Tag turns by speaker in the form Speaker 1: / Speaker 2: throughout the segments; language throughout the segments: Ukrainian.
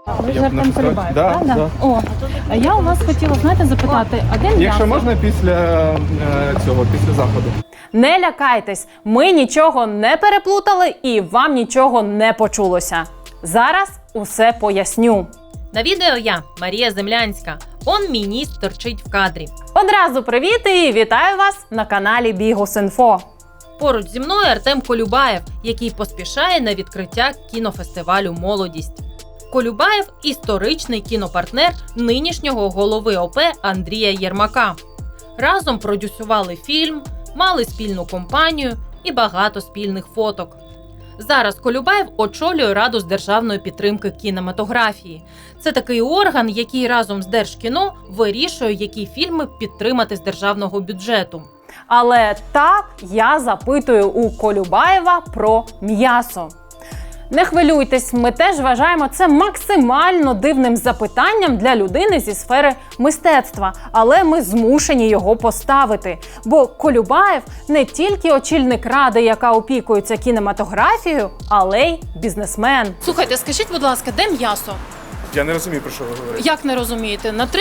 Speaker 1: Ви ж Артем Колюбаєв,
Speaker 2: Да,
Speaker 1: правда?
Speaker 2: да.
Speaker 1: О, а я у вас хотіла, знаєте, запитати, а де м'ясо?
Speaker 2: Якщо можна, після після заходу.
Speaker 3: Не лякайтесь, ми нічого не переплутали і вам нічого не почулося. Зараз усе поясню.
Speaker 4: На відео я, Марія Землянська. Он мій ніс торчить в кадрі.
Speaker 3: Одразу привіт і вітаю вас на каналі Bihus.info.
Speaker 4: Поруч зі мною Артем Колюбаєв, який поспішає на відкриття кінофестивалю «Молодість». Колюбаєв – історичний кінопартнер нинішнього голови ОП Андрія Єрмака. Разом продюсували фільм, мали спільну компанію і багато спільних фоток. Зараз Колюбаєв очолює Раду з державної підтримки кінематографії. Це такий орган, який разом з Держкіно вирішує, які фільми підтримати з державного бюджету.
Speaker 3: Але так, я запитую у Колюбаєва про м'ясо. Не хвилюйтесь, ми теж вважаємо це максимально дивним запитанням для людини зі сфери мистецтва, але ми змушені його поставити. Бо Колюбаєв не тільки очільник ради, яка опікується кінематографією, але й бізнесмен.
Speaker 1: Слухайте, скажіть, будь ласка, де м'ясо?
Speaker 2: Я не розумію, про що ви говорите.
Speaker 1: Як не розумієте? На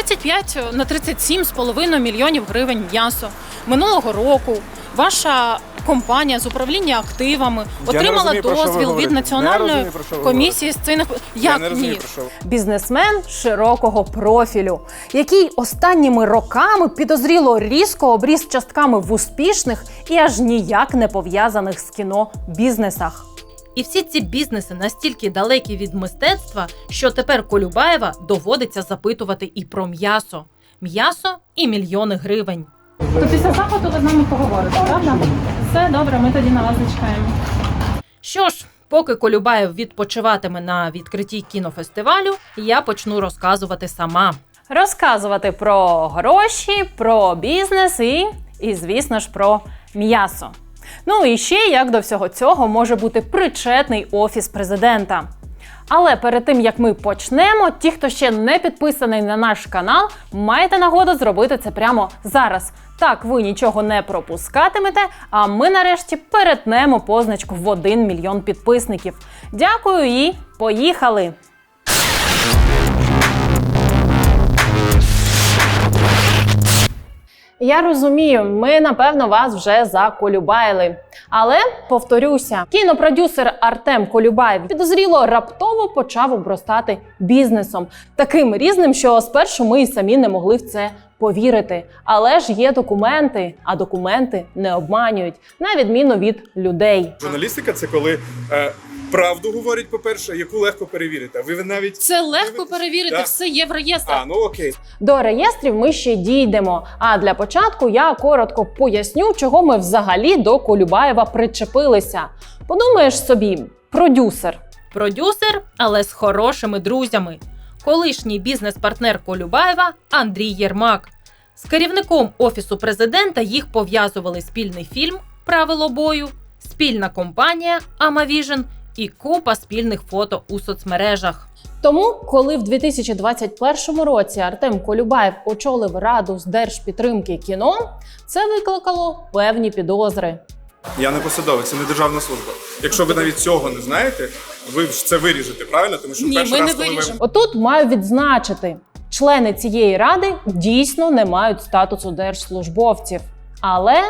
Speaker 1: 37,5 мільйонів гривень м'ясо. Минулого року ваша компанія з управління активами отримала
Speaker 2: розумію, про що ви
Speaker 1: дозвіл від
Speaker 2: говорите. Не
Speaker 1: Національної
Speaker 2: розумію, про що ви
Speaker 1: комісії з цінних...
Speaker 2: Я
Speaker 1: Як
Speaker 2: не розумію,
Speaker 1: ні?
Speaker 2: про що ви.
Speaker 3: Бізнесмен широкого профілю, який останніми роками підозріло різко обріс частками в успішних і аж ніяк не пов'язаних з кіно бізнесах.
Speaker 4: І всі ці бізнеси настільки далекі від мистецтва, що тепер Колюбаєва доводиться запитувати і про м'ясо. М'ясо і мільйони гривень.
Speaker 1: То після заходу ви з нами поговорите, правда? Все добре, ми тоді на вас зачекаємо.
Speaker 4: Що ж, поки Колюбаєв відпочиватиме на відкритті кінофестивалю, я почну розказувати сама.
Speaker 3: Розказувати про гроші, про бізнес і звісно ж, про м'ясо. Ну і ще, як до всього цього, може бути причетний Офіс президента. Але перед тим, як ми почнемо, ті, хто ще не підписаний на наш канал, маєте нагоду зробити це прямо зараз. Так ви нічого не пропускатимете, а ми нарешті перетнемо позначку в 1 мільйон підписників. Дякую і поїхали! Я розумію, ми, напевно, вас вже заколюбайли. Але, повторюся, кінопродюсер Артем Колюбаєв підозріло раптово почав обростати бізнесом. Таким різним, що спершу ми й самі не могли в це повірити. Але ж є документи, а документи не обманюють, на відміну від людей.
Speaker 2: Журналістика – це коли правду говорять, по-перше, яку легко перевірити. А ви навіть...
Speaker 1: Це легко перевірити,
Speaker 2: Да.
Speaker 1: все є в реєстрах.
Speaker 2: Ну окей.
Speaker 3: До реєстрів ми ще дійдемо. А для початку я коротко поясню, чого ми взагалі до Колюбаєва причепилися. Подумаєш собі, продюсер.
Speaker 4: Продюсер, але з хорошими друзями. Колишній бізнес-партнер Колюбаєва Андрій Єрмак. З керівником Офісу президента їх пов'язували спільний фільм «Правило бою», спільна компанія «Амавіжн» і купа спільних фото у соцмережах.
Speaker 3: Тому, коли в 2021 році Артем Колюбаєв очолив Раду з держпідтримки кіно, це викликало певні підозри.
Speaker 2: Я не посадовець, це не державна служба. Якщо ви навіть цього не знаєте, ви ж це виріжете, правильно? Тому що
Speaker 1: Ні,
Speaker 2: перший
Speaker 1: ми
Speaker 2: раз,
Speaker 1: не
Speaker 2: коли
Speaker 1: виріжемо.
Speaker 3: Отут маю відзначити, члени цієї ради дійсно не мають статусу держслужбовців. Але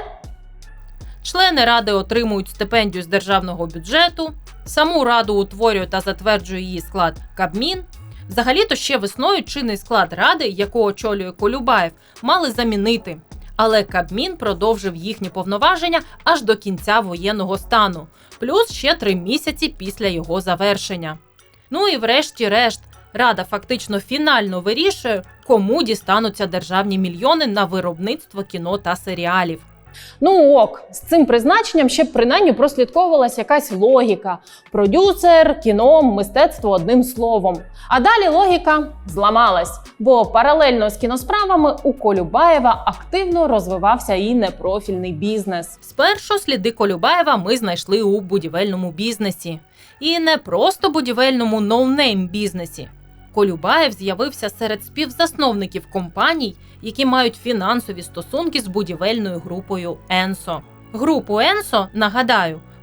Speaker 4: Члени ради отримують стипендію з державного бюджету, саму раду утворює та затверджує її склад Кабмін. Взагалі-то ще весною чинний склад ради, яку очолює Колюбаєв, мали замінити. Але Кабмін продовжив їхні повноваження аж до кінця воєнного стану, плюс ще 3 місяці після його завершення. Ну і врешті-решт, Рада фактично фінально вирішує, кому дістануться державні мільйони на виробництво кіно та серіалів.
Speaker 3: ну ок, з цим призначенням ще б принаймні прослідковувалася якась логіка. Продюсер, кіно, мистецтво одним словом. А далі логіка зламалась, бо паралельно з кіносправами у Колюбаєва активно розвивався і непрофільний бізнес.
Speaker 4: Спершу сліди Колюбаєва ми знайшли у будівельному бізнесі. І не просто будівельному ноунейм бізнесі. Колюбаєв з'явився серед співзасновників компаній, які мають фінансові стосунки з будівельною групою «Енсо». Групу «Енсо», нагадаю,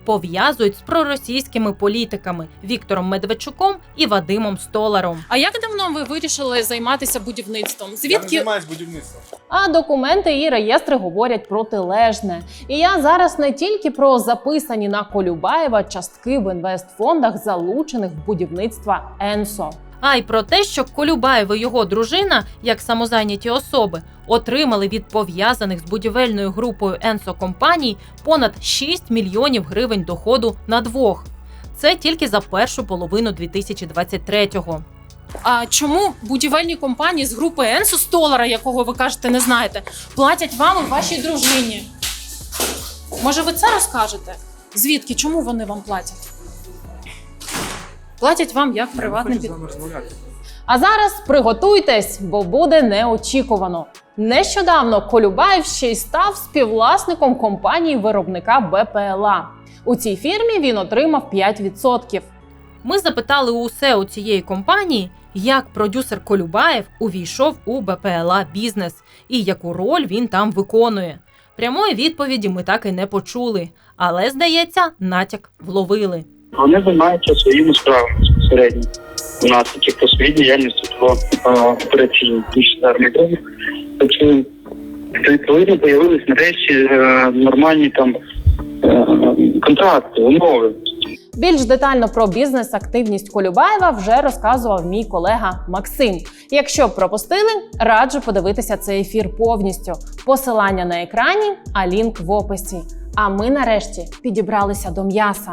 Speaker 4: пов'язують з проросійськими політиками Віктором Медведчуком і Вадимом Столаром.
Speaker 1: А як давно ви вирішили займатися будівництвом?
Speaker 2: Я не
Speaker 1: Звідки?
Speaker 2: займаюсь будівництвом.
Speaker 3: А документи і реєстри говорять протилежне. І я зараз не тільки про записані на Колюбаєва частки в інвестфондах, залучених в будівництво Енсо.
Speaker 4: А й про те, що Колюбаєв і його дружина, як самозайняті особи, отримали від пов'язаних з будівельною групою Енсо компаній понад 6 мільйонів гривень доходу на двох. Це тільки за першу половину 2023-го.
Speaker 1: А чому будівельні компанії з групи Енсо Столара, якого ви кажете, не знаєте, платять вам і вашій дружині? Може, ви це розкажете? Звідки? Чому вони вам платять? Платять вам як приватним підприємцям.
Speaker 3: А зараз приготуйтесь, бо буде неочікувано. Нещодавно Колюбаєв ще й став співвласником компанії-виробника БПЛА. У цій фірмі він отримав 5%.
Speaker 4: Ми запитали у СЕО цієї компанії, як продюсер Колюбаєв увійшов у БПЛА бізнес і яку роль він там виконує. Прямої відповіді ми так і не почули, але, здається, натяк вловили.
Speaker 5: Вони займаються своїми справами безпосередньо. У нас такі по своїй діяльності по операційній армії. Тобто, відповідно, з'явились нарешті нормальні там контракти, умови.
Speaker 3: Більш детально про бізнес-активність Колюбаєва вже розказував мій колега Максим. Якщо пропустили, раджу подивитися цей ефір повністю. Посилання на екрані, а лінк в описі. А ми нарешті підібралися до м'яса.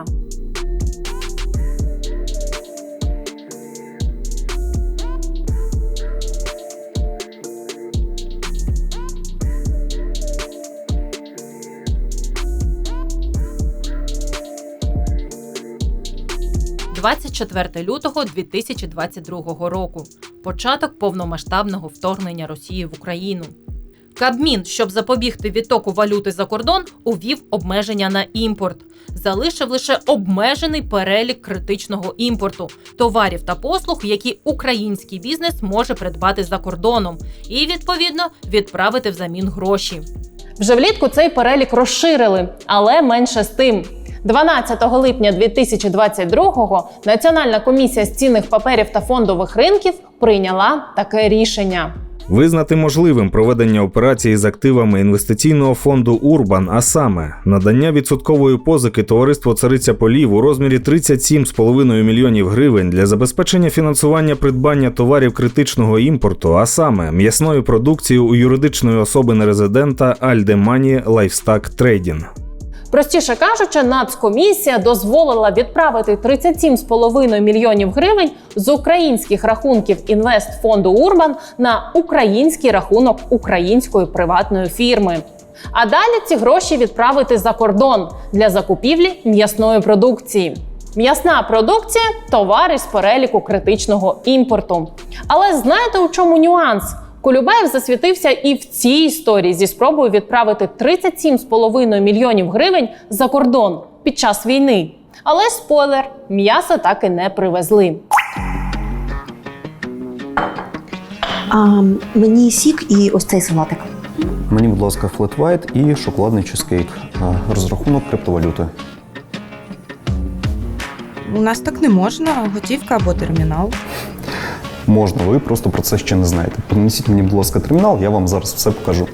Speaker 4: – 24 лютого 2022 року. Початок повномасштабного вторгнення Росії в Україну. Кабмін, щоб запобігти відтоку валюти за кордон, увів обмеження на імпорт. Залишив лише обмежений перелік критичного імпорту – товарів та послуг, які український бізнес може придбати за кордоном і, відповідно, відправити взамін гроші.
Speaker 3: Вже влітку цей перелік розширили, але менше з тим. 12 липня 2022-го Національна комісія з цінних паперів та фондових ринків прийняла таке рішення.
Speaker 6: Визнати можливим проведення операції з активами інвестиційного фонду «Урбан», а саме надання відсоткової позики товариству «Цариця полів» у розмірі 37,5 мільйонів гривень для забезпечення фінансування придбання товарів критичного імпорту, а саме м'ясної продукції у юридичної особи нерезидента Альдемані Лайфстак Трейдінг.
Speaker 3: Простіше кажучи, Нацкомісія дозволила відправити 37,5 мільйонів гривень з українських рахунків інвестфонду «Урбан» на український рахунок української приватної фірми. А далі ці гроші відправити за кордон для закупівлі м'ясної продукції. М'ясна продукція – товари з переліку критичного імпорту. Але знаєте, у чому нюанс? Колюбаєв засвітився і в цій історії зі спробою відправити 37,5 мільйонів гривень за кордон під час війни. Але спойлер – м'яса так і не привезли.
Speaker 7: Мені сік і ось цей салатик.
Speaker 8: Мені, будь ласка, флет вайт і шоколадний чизкейк. Розрахунок криптовалюти.
Speaker 9: У нас так не можна, готівка або термінал.
Speaker 8: Можна, ви просто про це ще не знаєте. Принесіть мені, будь ласка, термінал, я вам зараз все покажу.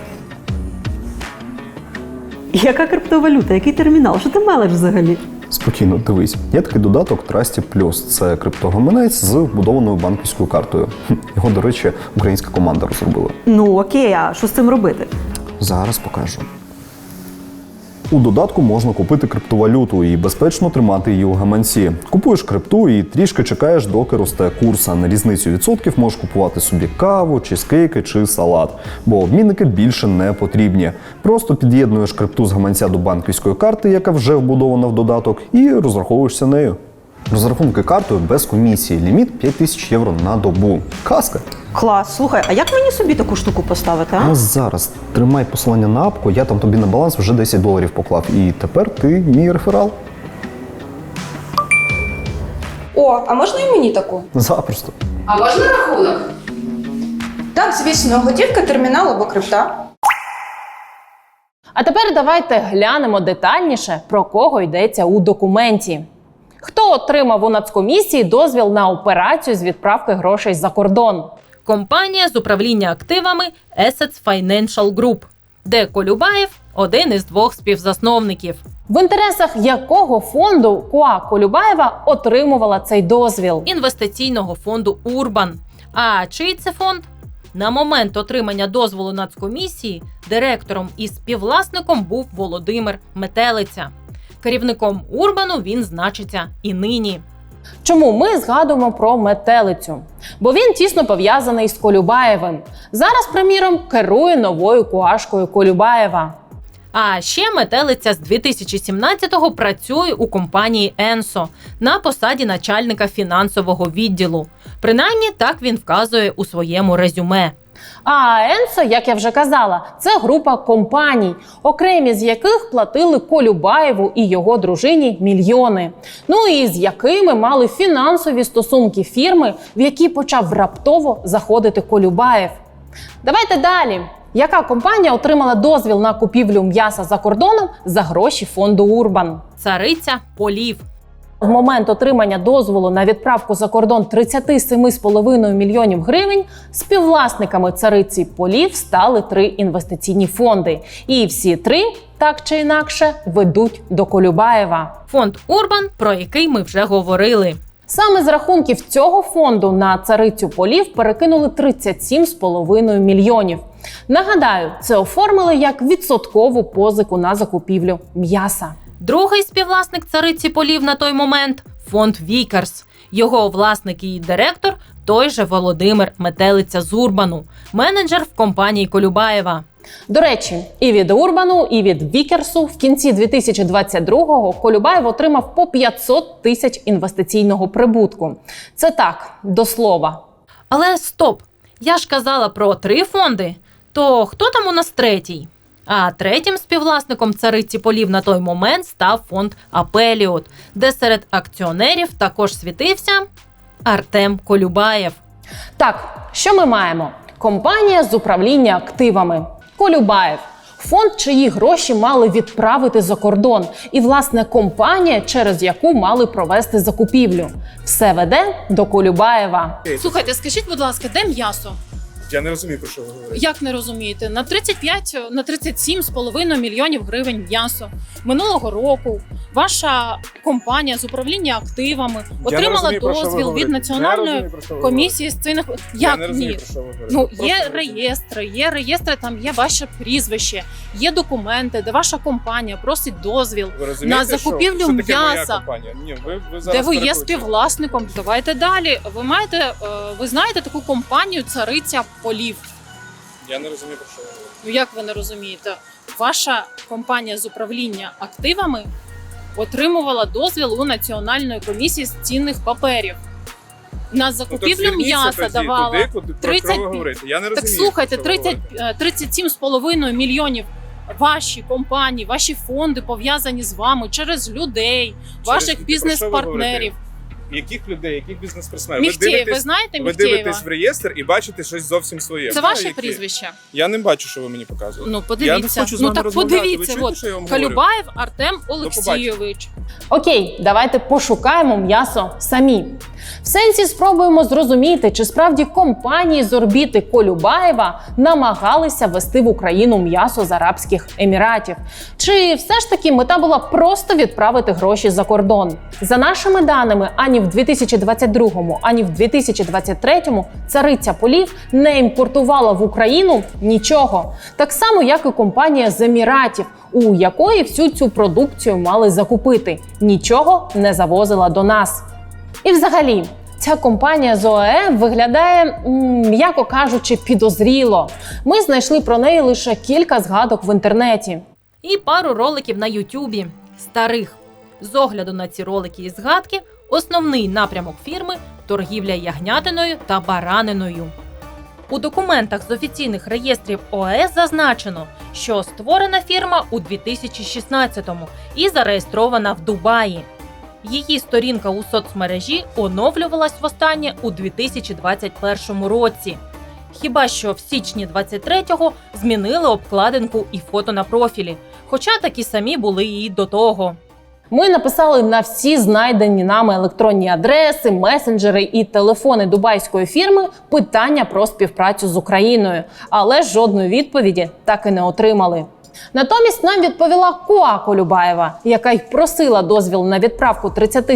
Speaker 7: Яка криптовалюта? Який термінал? Що ти мелеш взагалі?
Speaker 8: Спокійно, дивись. Є такий додаток Trusty Plus. Це криптогаманець з вбудованою банківською картою. Його, до речі, українська команда розробила.
Speaker 7: Ну окей, а що з цим робити?
Speaker 8: Зараз покажу. У додатку можна купити криптовалюту і безпечно тримати її у гаманці. Купуєш крипту і трішки чекаєш, доки росте курс, а на різницю відсотків можеш купувати собі каву, чизкейки чи салат. Бо обмінники більше не потрібні. Просто під'єднуєш крипту з гаманця до банківської карти, яка вже вбудована в додаток, і розраховуєшся нею. Розрахунки картою без комісії. Ліміт 5000 євро на добу. Казка!
Speaker 7: Клас, слухай, а як мені собі таку штуку поставити, а?
Speaker 8: Ось зараз. Тримай посилання на апку, я там тобі на баланс вже $10 поклав. І тепер ти мій реферал.
Speaker 10: О, а можна і мені таку?
Speaker 8: Запросто.
Speaker 10: А можна рахунок? Так, звісно, готівка, термінал або крипта.
Speaker 3: А тепер давайте глянемо детальніше, про кого йдеться у документі. Хто отримав у Нацкомісії дозвіл на операцію з відправки грошей за кордон?
Speaker 4: Компанія з управління активами Assets Financial Group, де Колюбаєв – один із двох співзасновників.
Speaker 3: В інтересах якого фонду КУА Колюбаєва отримувала цей дозвіл?
Speaker 4: Інвестиційного фонду «Урбан». А чий це фонд? На момент отримання дозволу Нацкомісії директором і співвласником був Володимир Метелиця. Керівником «Урбану» він значиться і нині.
Speaker 3: Чому ми згадуємо про Метелицю? Бо він тісно пов'язаний з Колюбаєвим. Зараз, приміром, керує новою КУАшкою Колюбаєва.
Speaker 4: А ще Метелиця з 2017-го працює у компанії «Енсо» на посаді начальника фінансового відділу. Принаймні, так він вказує у своєму резюме.
Speaker 3: А Енсо, як я вже казала, це група компаній, окремі з яких платили Колюбаєву і його дружині мільйони. Ну і з якими мали фінансові стосунки фірми, в які почав раптово заходити Колюбаєв. Давайте далі. Яка компанія отримала дозвіл на купівлю м'яса за кордоном за гроші фонду «Урбан»?
Speaker 4: Цариця полів.
Speaker 3: В момент отримання дозволу на відправку за кордон 37,5 мільйонів гривень співвласниками цариці полів стали 3 інвестиційні фонди. І всі 3, так чи інакше, ведуть до Колюбаєва.
Speaker 4: Фонд «Урбан», про який ми вже говорили.
Speaker 3: Саме з рахунків цього фонду на царицю полів перекинули 37,5 мільйонів. Нагадаю, це оформили як відсоткову позику на закупівлю м'яса.
Speaker 4: Другий співвласник цариці полів на той момент – фонд «Вікерс». Його власник і директор – той же Володимир Метелиця з «Урбану», менеджер в компанії Колюбаєва.
Speaker 3: До речі, і від «Урбану», і від «Вікерсу» в кінці 2022-го Колюбаєв отримав по 500 тисяч інвестиційного прибутку. Це так, до слова.
Speaker 4: Але стоп! Я ж казала про 3 фонди. То хто там у нас третій? А третім співвласником цариці полів на той момент став фонд «Апеліот», де серед акціонерів також світився Артем Колюбаєв.
Speaker 3: Так, що ми маємо? Компанія з управління активами. Колюбаєв. Фонд, чиї гроші мали відправити за кордон. І, власне, компанія, через яку мали провести закупівлю. Все веде до Колюбаєва.
Speaker 1: Слухайте, скажіть, будь ласка, де м'ясо?
Speaker 2: Я не розумію, про що ви говорите.
Speaker 1: Як не розумієте? На 37,5 мільйонів гривень м'ясо. Минулого року ваша компанія з управління активами отримала дозвіл від Національної комісії з цінних...
Speaker 2: Я не
Speaker 1: Як
Speaker 2: розумію,
Speaker 1: ні?
Speaker 2: про що ви говорите.
Speaker 1: Ну,
Speaker 2: Просто
Speaker 1: є реєстри, там є ваше прізвище, є документи, де ваша компанія просить дозвіл
Speaker 2: Ви розумієте,
Speaker 1: на закупівлю
Speaker 2: що таке моя
Speaker 1: м'яса.
Speaker 2: компанія? Ні, ви
Speaker 1: Де
Speaker 2: зараз
Speaker 1: ви є
Speaker 2: перекручуєте.
Speaker 1: співвласником? Давайте далі. Ви знаєте таку компанію «Цариця полів»?
Speaker 2: Я не розумію, про що ви говорите.
Speaker 1: Ну як ви не розумієте? Ваша компанія з управління активами отримувала дозвіл у Національної комісії з цінних паперів. На закупівлю м'яса давала 30...
Speaker 2: Я не розумію.
Speaker 1: Так слухайте,
Speaker 2: про що ви говорите.
Speaker 1: 37,5 мільйонів ваші компанії, ваші фонди пов'язані з вами через людей, ваших
Speaker 2: людей?
Speaker 1: бізнес-партнерів.
Speaker 2: Яких людей, яких бізнес-персонів?
Speaker 1: Міхтєєв, ви знаєте
Speaker 2: Ви
Speaker 1: Міхтєєва?
Speaker 2: дитесь в реєстр і бачите щось зовсім своє.
Speaker 1: Це
Speaker 2: Знаю,
Speaker 1: ваше
Speaker 2: які.
Speaker 1: прізвище?
Speaker 2: Я не бачу, що ви мені показуєте.
Speaker 1: Ну,
Speaker 2: Я
Speaker 1: подивіться.
Speaker 2: не хочу з
Speaker 1: Ну
Speaker 2: вами
Speaker 1: так
Speaker 2: розмовляти.
Speaker 1: подивіться.
Speaker 2: Ви чуєте,
Speaker 1: От
Speaker 2: що я вам говорю?
Speaker 1: Колюбаєв Артем Олексійович.
Speaker 3: Окей, давайте пошукаємо м'ясо самі. В сенсі спробуємо зрозуміти, чи справді компанії з орбіти Колюбаєва намагалися ввести в Україну м'ясо з Арабських Еміратів. Чи все ж таки мета була просто відправити гроші за кордон? За нашими даними, ані в 2022-му, ані в 2023-му цариця полів не імпортувала в Україну нічого. Так само, як і компанія з Еміратів, у якої всю цю продукцію мали закупити. Нічого не завозила до нас. І взагалі, ця компанія з ОАЕ виглядає, м'яко кажучи, підозріло. Ми знайшли про неї лише кілька згадок в інтернеті.
Speaker 4: І пару роликів на Ютубі старих. З огляду на ці ролики і згадки, основний напрямок фірми – торгівля ягнятиною та бараниною. У документах з офіційних реєстрів ОАЕ зазначено, що створена фірма у 2016-му і зареєстрована в Дубаї. Її сторінка у соцмережі оновлювалась востаннє у 2021 році. Хіба що в січні 23-го змінили обкладинку і фото на профілі, хоча такі самі були і до того.
Speaker 3: Ми написали на всі знайдені нами електронні адреси, месенджери і телефони дубайської фірми питання про співпрацю з Україною, але жодної відповіді так і не отримали. Натомість нам відповіла КОА Колюбаєва, яка й просила дозвіл на відправку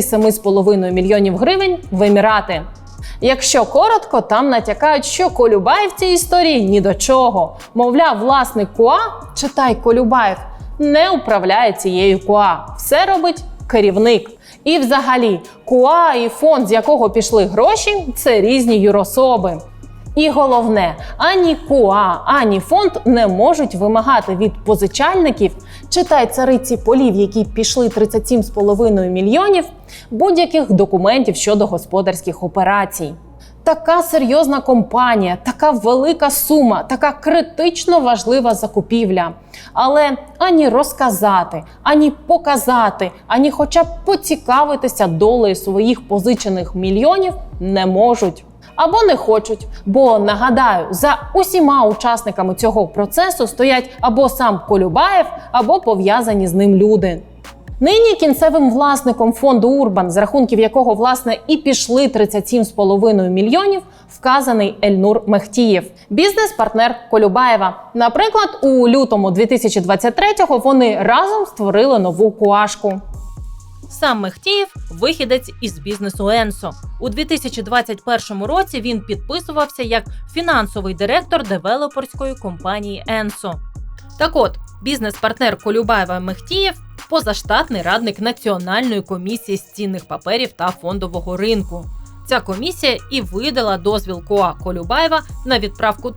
Speaker 3: 37,5 мільйонів гривень в Емірати. Якщо коротко, там натякають, що Колюбаєв в цій історії ні до чого. Мовляв, власник КОА, читай Колюбаєв, не управляє цією КОА. Все робить керівник. І взагалі, КОА і фонд, з якого пішли гроші, це різні юрособи. І головне, ані КОА, ані фонд не можуть вимагати від позичальників, читай цариці полів, які пішли 37,5 мільйонів, будь-яких документів щодо господарських операцій. Така серйозна компанія, така велика сума, така критично важлива закупівля. Але ані розказати, ані показати, ані хоча б поцікавитися долею своїх позичених мільйонів не можуть. Або не хочуть, бо, нагадаю, за усіма учасниками цього процесу стоять або сам Колюбаєв, або пов'язані з ним люди. Нині кінцевим власником фонду Урбан, з рахунків якого, власне, і пішли 37,5 мільйонів, вказаний Ельнур Мехтієв, бізнес-партнер Колюбаєва. Наприклад, у лютому 2023-го вони разом створили нову КОАшку.
Speaker 4: Сам Мехтієв – вихідець із бізнесу Енсо. У 2021 році він підписувався як фінансовий директор девелоперської компанії Енсо. Так от, бізнес-партнер Колюбаєва Мехтієв – позаштатний радник Національної комісії з цінних паперів та фондового ринку. Ця комісія і видала дозвіл КОА Колюбаєва на відправку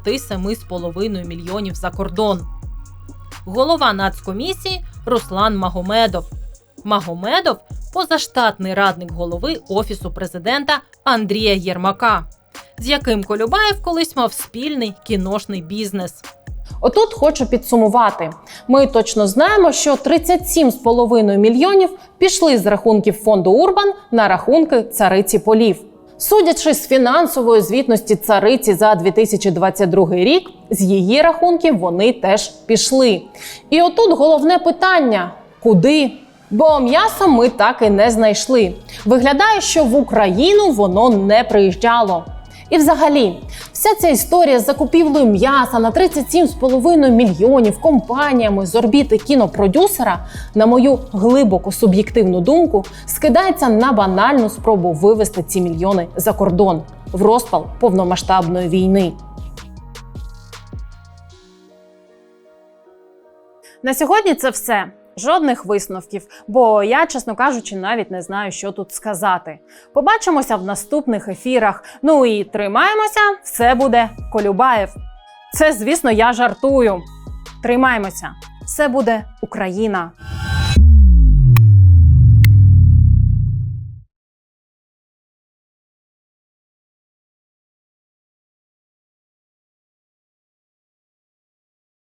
Speaker 4: 37,5 мільйонів за кордон. Голова Нацкомісії – Руслан Магомедов. Магомедов – позаштатний радник голови Офісу президента Андрія Єрмака, з яким Колюбаєв колись мав спільний кіношний бізнес.
Speaker 3: Отут хочу підсумувати. Ми точно знаємо, що 37,5 мільйонів пішли з рахунків фонду Урбан на рахунки цариці полів. Судячи з фінансової звітності цариці за 2022 рік, з її рахунків вони теж пішли. І отут головне питання – куди? Бо м'ясо ми так і не знайшли. Виглядає, що в Україну воно не приїжджало. І взагалі, вся ця історія з закупівлею м'яса на 37,5 мільйонів компаніями з орбіти кінопродюсера, на мою глибоко суб'єктивну думку, скидається на банальну спробу вивести ці мільйони за кордон в розпал повномасштабної війни. На сьогодні це все. Жодних висновків, бо я, чесно кажучи, навіть не знаю, що тут сказати. Побачимося в наступних ефірах. Ну і тримаємося, все буде Колюбаєв. Це, звісно, я жартую. Тримаємося, все буде Україна.